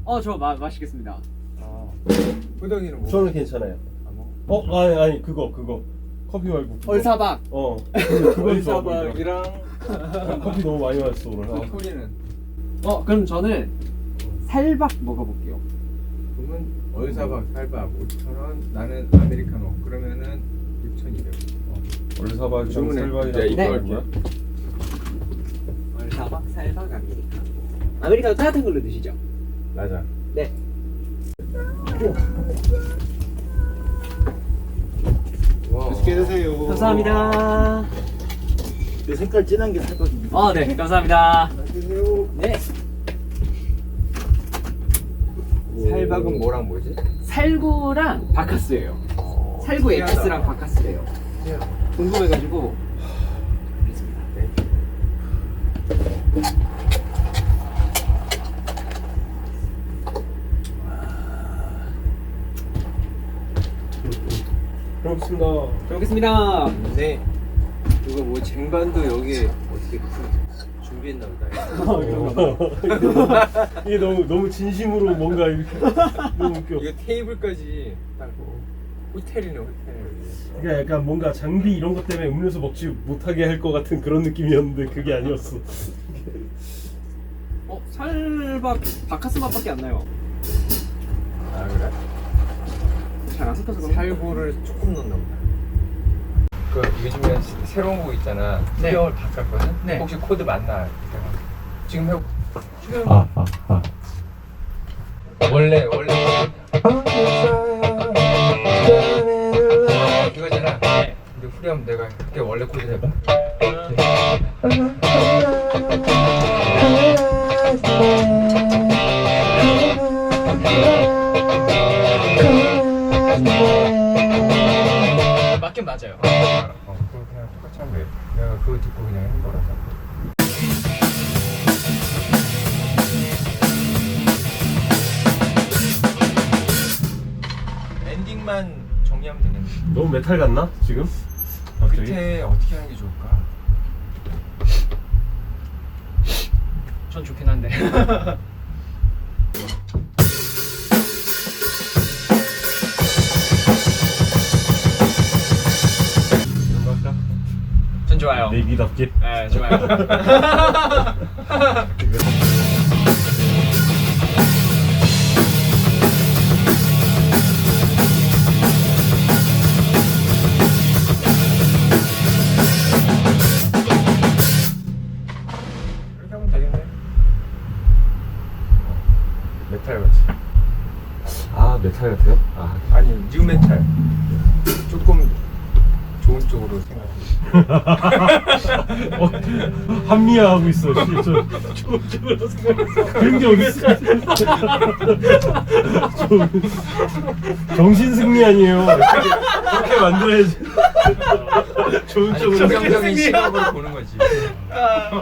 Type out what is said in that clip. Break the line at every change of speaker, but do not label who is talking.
저 마시겠습니다.
호동이는 뭐?
저는 괜찮아요. 아니 그거 커피 말고 그거.
얼사박.
그건 좋아 보이더라.
얼사박이랑
커피 너무 많이 마셨어 오늘.
소리는
그럼 저는 살박 먹어볼게요.
그러면 얼사박 살박 5,000원, 나는 아메리카노 그러면은 6,200원.
얼사박이랑
주문해.
살박이랑
이제
그거
이거
뭐야?
얼사박, 살박, 아메리카노. 아메리카노 따뜻한 걸로 드시죠?
맞아.
네.
와.
맛있게 드세요.
감사합니다.
그 색깔 진한 게 살거든요.
네, 감사합니다.
맛있게 드세요.
네.
살박은 뭐랑 뭐지?
살구랑 바카스예요. 살구 엑스랑 바카스래요. 궁금해가지고. 그랬습니다. 네.
고맙습니다.
잘 먹겠습니다.
근데 이거 뭐 쟁반도 여기에 어떻게 준비했나 보다.
이게 너무 진심으로 뭔가 이렇게 너무 웃겨.
이거 테이블까지 딱 호텔이네 호텔.
그러니까 약간 뭔가 장비 이런 것 때문에 음료수 먹지 못하게 할 것 같은 그런 느낌이었는데 그게 아니었어.
살박 바카스 맛밖에 안 나요.
아 그래?
잘 안 섞여서 그런가?
살구를 조금 넣나 보다. 그 요즘에 새로운 거 있잖아.
네.
수영을 바꿨거든.
네.
혹시 코드 맞나? 지금 해. 지금. 원래 이거잖아. 근데 후렴 내가 그게 원래 코드 해봐.
맞긴 맞아요.
그거 그냥 똑같이 하면 돼. 내가 그거 듣고 그냥 한 거라서. 엔딩만 정리하면 되겠네.
너무 메탈 같나 지금? 갑자기?
끝에 어떻게 하는 게 좋을까?
전 좋긴 한데.
이런 거 할까?
전 좋아요.
내비답게.
네, 좋아요.
이렇게 하면 되겠네. 메탈 같이.
메탈 같아요?
아니 뉴 메탈. 조금 좋은 쪽으로 생각해.
합리화하고 있어. 저쪽으로 생각했어. 그런 게 어딨어? 정신 승리 아니에요. 그렇게 만들어야지. 좋은 쪽으로.
긍정적인 시각으로 보는 거지.